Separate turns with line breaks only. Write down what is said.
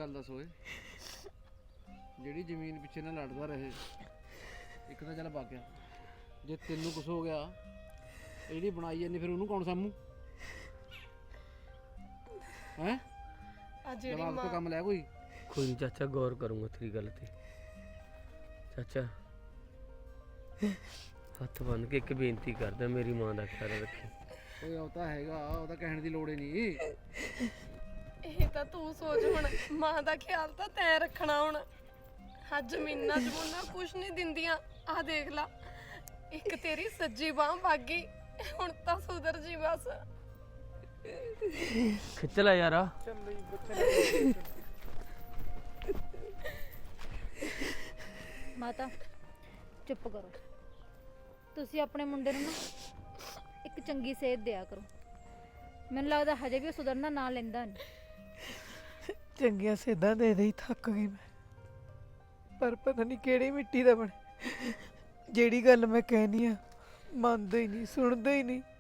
ਗੱਲ ਦੱਸ ਓਏ, ਜਿਹੜੀ ਜ਼ਮੀਨ ਪਿੱਛੇ ਨਾ ਲੜਦਾ ਰਹੇ, ਇੱਕ ਤਾਂ ਚੱਲ ਵਗ ਗਿਆ, ਜੇ ਤੈਨੂੰ ਕੁਛ ਹੋ ਗਿਆ ਇਹ ਜਿਹੜੀ ਬਣਾਈ ਜਾਂਦੀ ਫਿਰ ਉਹਨੂੰ ਕੌਣ ਸਾਂਭੂ? ਹੈਂ
ਆ ਜਿਹੜੀ
ਦਿਮਾਗ ਤੋਂ
ਮਾਂ
ਕੰਮ ਲੈ ਕੋਈ।
ਕੋਈ ਨਹੀਂ ਚਾਚਾ, ਗੌਰ ਕਰੂੰਗਾ ਤੇਰੀ ਗੱਲ ਤੇ। ਚਾਚਾ ਹੱਥ ਬੰਨ ਕੇ ਇੱਕ ਬੇਨਤੀ ਕਰਦਾ, ਮੇਰੀ ਮਾਂ ਦਾ ਖਿਆਲ ਰੱਖੀ।
ਓਏ ਉਹ ਤਾਂ ਹੈਗਾ, ਉਹ ਤਾਂ ਕਹਿਣ ਦੀ ਲੋੜ ਹੀ ਨਹੀਂ।
ਇਹ ਤਾਂ ਤੂੰ ਸੋਚ ਹੁਣ, ਮਾਂ ਦਾ ਖਿਆਲ ਤਾਂ ਤੈਂ ਰੱਖਣਾ ਹੁਣ। ਹਾਂ ਜ਼ਮੀਨਾਂ ਜਮੂਨਾਂ ਕੁਛ ਨਹੀਂ ਦਿੰਦੀਆਂ, ਆਹ ਦੇਖ ਲਾ, ਇੱਕ ਤੇਰੀ ਸੱਜੀ ਬਾਂਹ ਭਾਗੀ, ਹੁਣ ਤਾਂ ਸੁਧਰ ਜੀ ਬਸ।
ਖਿੱਚ ਲੈ ਯਾਰਾ।
ਮਾਤਾ ਚੁੱਪ ਕਰੋ, ਤੁਸੀਂ ਆਪਣੇ ਮੁੰਡੇ ਨੂੰ ਨਾ ਇੱਕ ਚੰਗੀ ਸੇਧ ਦਿਆ ਕਰੋ। ਮੈਨੂੰ ਲੱਗਦਾ ਹਜੇ ਵੀ ਉਹ ਸੁਧਰਨਾ ਨਾ ਲੈਂਦਾ ਨਹੀਂ।
ਚੰਗੀਆਂ ਸੇਧਾਂ ਦੇ ਦੇ ਹੀ ਥੱਕ ਗਈ ਮੈਂ, ਪਰ ਪਤਾ ਨਹੀਂ ਕਿਹੜੀ ਮਿੱਟੀ ਦਾ ਬਣੇ। ਜਿਹੜੀ ਗੱਲ ਮੈਂ ਕਹਿਨੀ ਆ ਮੰਨਦਾ ਹੀ ਨਹੀਂ, ਸੁਣਦਾ ਹੀ ਨਹੀਂ।